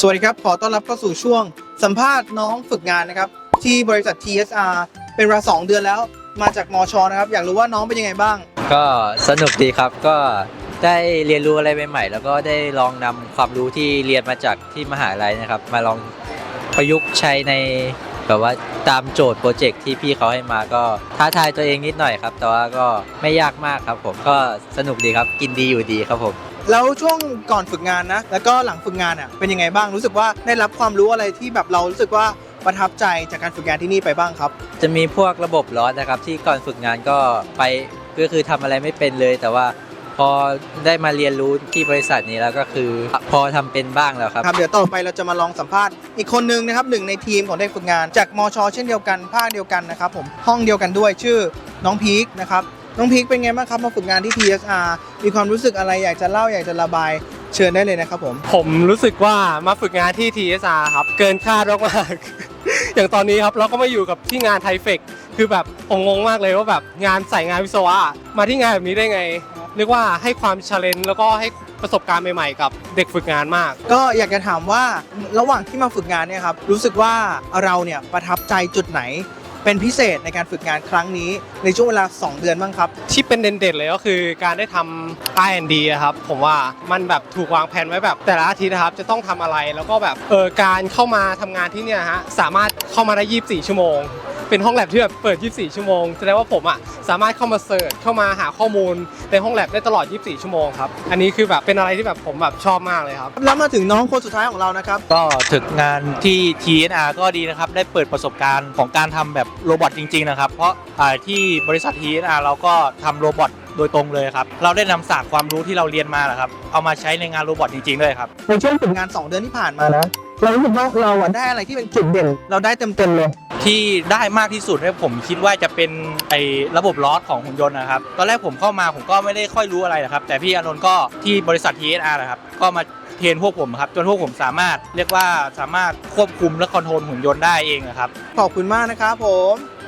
สวัสดีครับขอต้อนรับเข้าสู่ช่วงสัมภาษณ์น้องฝึกงานนะครับที่บริษัท TSR เป็นเวลา2 เดือนแล้วมาจากมชนะครับอยากรู้ว่าน้องเป็นยังไงบ้างก็สนุกดีครับก็ได้เรียนรู้อะไรใหม่ๆแล้วก็ได้ลองนำความรู้ที่เรียนมาจากที่มหาลัยนะครับมาลองประยุกต์ใช้ในแบบว่าตามโจทย์โปรเจกต์ที่พี่เขาให้มาก็ท้าทายตัวเองนิดหน่อยครับแต่ว่าก็ไม่ยากมากครับผมก็สนุกดีครับกินดีอยู่ดีครับผมแล้วช่วงก่อนฝึกงานนะแล้วก็หลังฝึกงานอ่ะเป็นยังไงบ้างรู้สึกว่าได้รับความรู้อะไรที่แบบเรารู้สึกว่าประทับใจจากการฝึกงานที่นี่ไปบ้างครับจะมีพวกระบบลอสนะครับที่ก่อนฝึกงานก็ไปก็คือทำอะไรไม่เป็นเลยแต่ว่าพอได้มาเรียนรู้ที่บริษัทนี้แล้วก็คือพอทำเป็นบ้างแล้วครับเดี๋ยวต่อไปเราจะมาลองสัมภาษณ์อีกคนนึงนะครับหนึ่งในทีมของเด็กฝึกงานจากมชเช่นเดียวกันภาคเดียวกันนะครับผมห้องเดียวกันด้วยชื่อน้องพีคนะครับน้องพีคเป็นไงบ้างครับมาฝึกงานที่ TSR มีความรู้สึกอะไรอยากจะเล่าอยากจะระบายเชิญได้เลยนะครับผมรู้สึกว่ามาฝึกงานที่ TSR ครับเกินคาดมากๆ อย่างตอนนี้ครับเราก็มาอยู่กับที่งานไทเฟกคือแบบผมงงมากเลยว่าแบบงานใส่งานวิศวะมาที่งานแบบนี้ได้ไงเรียกว่าให้ความเชลเลนจ์แล้วก็ให้ประสบการณ์ใหม่ๆกับเด็กฝึกงานมากก็อยากจะถามว่าระหว่างที่มาฝึกงานเนี่ยครับรู้สึกว่าเราเนี่ยประทับใจจุดไหนเป็นพิเศษในการฝึกงานครั้งนี้ในช่วงเวลา2 เดือนบ้างครับที่เป็นเด่นๆเลยก็คือการได้ทำ R&D อะครับผมว่ามันแบบถูกวางแผนไว้แบบแต่ละอาทิตย์นะครับจะต้องทำอะไรแล้วก็แบบการเข้ามาทำงานที่เนี่ยฮะสามารถเข้ามาได้24 ชั่วโมงเป็นห้องแลบที่แบบเปิด24 ชั่วโมงแสดงว่าผมอ่ะสามารถเข้ามาเสิร์ชเข้ามาหาข้อมูลในห้องแลบได้ตลอด24 ชั่วโมงครับอันนี้คือแบบเป็นอะไรที่แบบผมแบบชอบมากเลยครับแล้วมาถึงน้องคนสุดท้ายของเรานะครับก็ถึงงานที่ TSR ก็ดีนะครับได้เปิดประสบการณ์ของการทำแบบโรบอทจริงๆนะครับเพราะที่บริษัท TSR เราก็ทำโรบอทโดยตรงเลยครับเราได้นำศาสตร์ความรู้ที่เราเรียนมาแหละครับเอามาใช้ในงานโรบอทจริงๆด้วยครับในช่วงฝึกงาน2 เดือนที่ผ่านมานะเรารู้สึกว่าเราได้อะไรที่เป็นจุดเด่นเราได้เต็มเลยที่ได้มากที่สุดเนี่ยผมคิดว่าจะเป็นระบบลอสของหุ่นยนต์นะครับตอนแรกผมเข้ามาผมก็ไม่ได้ค่อยรู้อะไรนะครับแต่พี่อานนท์ก็ที่บริษัท TSR นะครับก็มาเทรนพวกผมครับจนพวกผมสามารถเรียกว่าสามารถควบคุมและคอนโทรลหุ่นยนต์ได้เองนะครับขอบคุณมากนะครับผม